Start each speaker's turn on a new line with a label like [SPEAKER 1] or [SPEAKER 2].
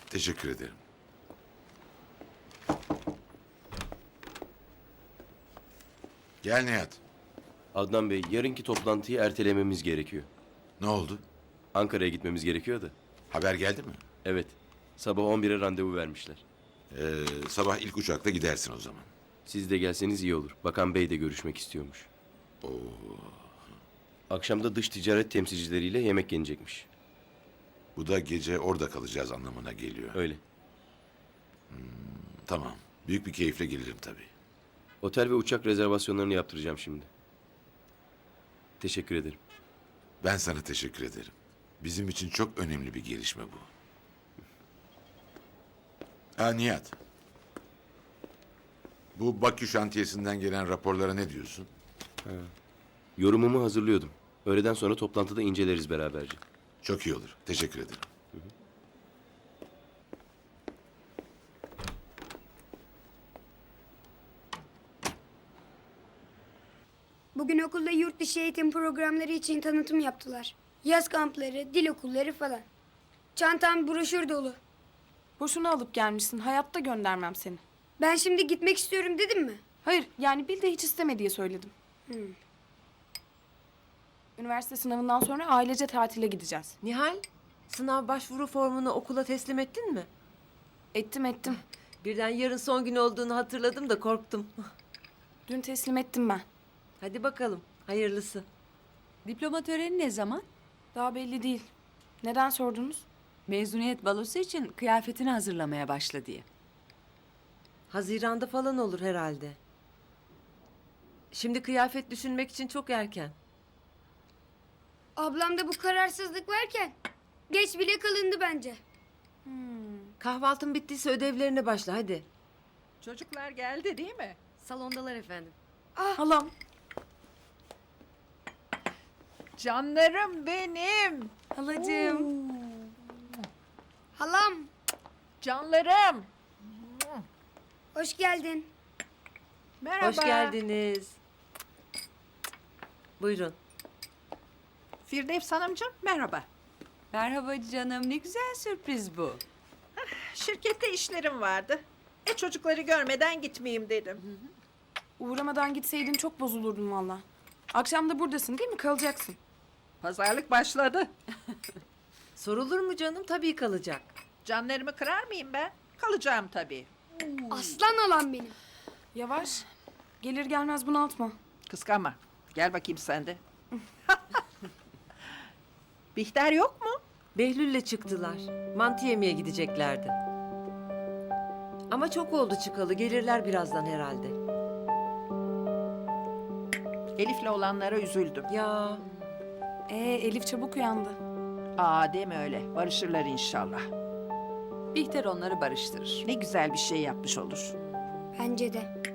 [SPEAKER 1] Teşekkür ederim. Gel Nihat.
[SPEAKER 2] Adnan Bey, yarınki toplantıyı ertelememiz gerekiyor.
[SPEAKER 1] Ne oldu?
[SPEAKER 2] Ankara'ya gitmemiz gerekiyor da.
[SPEAKER 1] Haber geldi mi?
[SPEAKER 2] Evet, sabah 11'e randevu vermişler.
[SPEAKER 1] Sabah ilk uçakla gidersin o zaman.
[SPEAKER 2] Siz de gelseniz iyi olur. Bakan Bey de görüşmek istiyormuş. Akşam da dış ticaret temsilcileriyle yemek yenecekmiş.
[SPEAKER 1] Bu da gece orada kalacağız anlamına geliyor.
[SPEAKER 2] Öyle.
[SPEAKER 1] Tamam. Büyük bir keyifle gelirim tabii.
[SPEAKER 2] Otel ve uçak rezervasyonlarını yaptıracağım şimdi. Teşekkür ederim.
[SPEAKER 1] Ben sana teşekkür ederim. Bizim için çok önemli bir gelişme bu. Ha Nihat. Bu Bakü şantiyesinden gelen raporlara ne diyorsun?
[SPEAKER 2] Yorumumu hazırlıyordum. Öğleden sonra toplantıda inceleriz beraberce.
[SPEAKER 1] Çok iyi olur. Teşekkür ederim.
[SPEAKER 3] Bugün okulda yurt dışı eğitim programları için tanıtım yaptılar. Yaz kampları, dil okulları falan. Çantam broşür dolu.
[SPEAKER 4] Boşuna alıp gelmişsin. Hayatta göndermem seni.
[SPEAKER 3] Ben şimdi gitmek istiyorum dedim mi?
[SPEAKER 4] Hayır, yani bil de hiç isteme diye söyledim. Üniversite sınavından sonra ailece tatile gideceğiz.
[SPEAKER 5] Nihal, sınav başvuru formunu okula teslim ettin mi?
[SPEAKER 4] Ettim.
[SPEAKER 5] Birden yarın son gün olduğunu hatırladım da korktum.
[SPEAKER 4] Dün teslim ettim ben.
[SPEAKER 5] Hadi bakalım, hayırlısı.
[SPEAKER 6] Diploma töreni ne zaman?
[SPEAKER 4] Daha belli değil. Neden sordunuz?
[SPEAKER 6] Mezuniyet balosu için kıyafetini hazırlamaya başla diye.
[SPEAKER 5] Haziran'da falan olur herhalde. Şimdi kıyafet düşünmek için çok erken.
[SPEAKER 3] Ablamda bu kararsızlık varken geç bile kalındı bence.
[SPEAKER 5] Kahvaltın bittiyse ödevlerine başla hadi.
[SPEAKER 7] Çocuklar geldi değil mi?
[SPEAKER 5] Salondalar efendim.
[SPEAKER 4] Halam.
[SPEAKER 7] Canlarım benim.
[SPEAKER 4] Halacığım.
[SPEAKER 3] Halam,
[SPEAKER 7] Canlarım.
[SPEAKER 3] hoş geldin.
[SPEAKER 7] Merhaba.
[SPEAKER 5] Hoş geldiniz. Buyurun.
[SPEAKER 7] Firdevs Hanımcığım merhaba.
[SPEAKER 6] Merhaba canım, ne güzel sürpriz bu.
[SPEAKER 7] Şirkette işlerim vardı. Çocukları görmeden gitmeyeyim dedim.
[SPEAKER 4] Uğramadan gitseydin çok bozulurdun valla. Akşam da buradasın değil mi? Kalacaksın.
[SPEAKER 7] Pazarlık başladı.
[SPEAKER 5] Sorulur mu canım? Tabii kalacak.
[SPEAKER 7] Canlarımı kırar mıyım ben? Kalacağım tabii.
[SPEAKER 3] Aslan halam benim.
[SPEAKER 4] Yavaş. Gelir gelmez bunaltma.
[SPEAKER 7] Kıskanma. Gel bakayım sen de. Bihter yok mu?
[SPEAKER 5] Behlül'le çıktılar. Mantı yemeye gideceklerdi. Ama çok oldu çıkalı. Gelirler birazdan herhalde.
[SPEAKER 7] Elif'le olanlara üzüldüm.
[SPEAKER 5] Ya
[SPEAKER 4] Elif çabuk uyandı.
[SPEAKER 7] Aa deme öyle. Barışırlar inşallah.
[SPEAKER 6] Bihter onları barıştırır.
[SPEAKER 7] Ne güzel bir şey yapmış olur.
[SPEAKER 3] Bence de.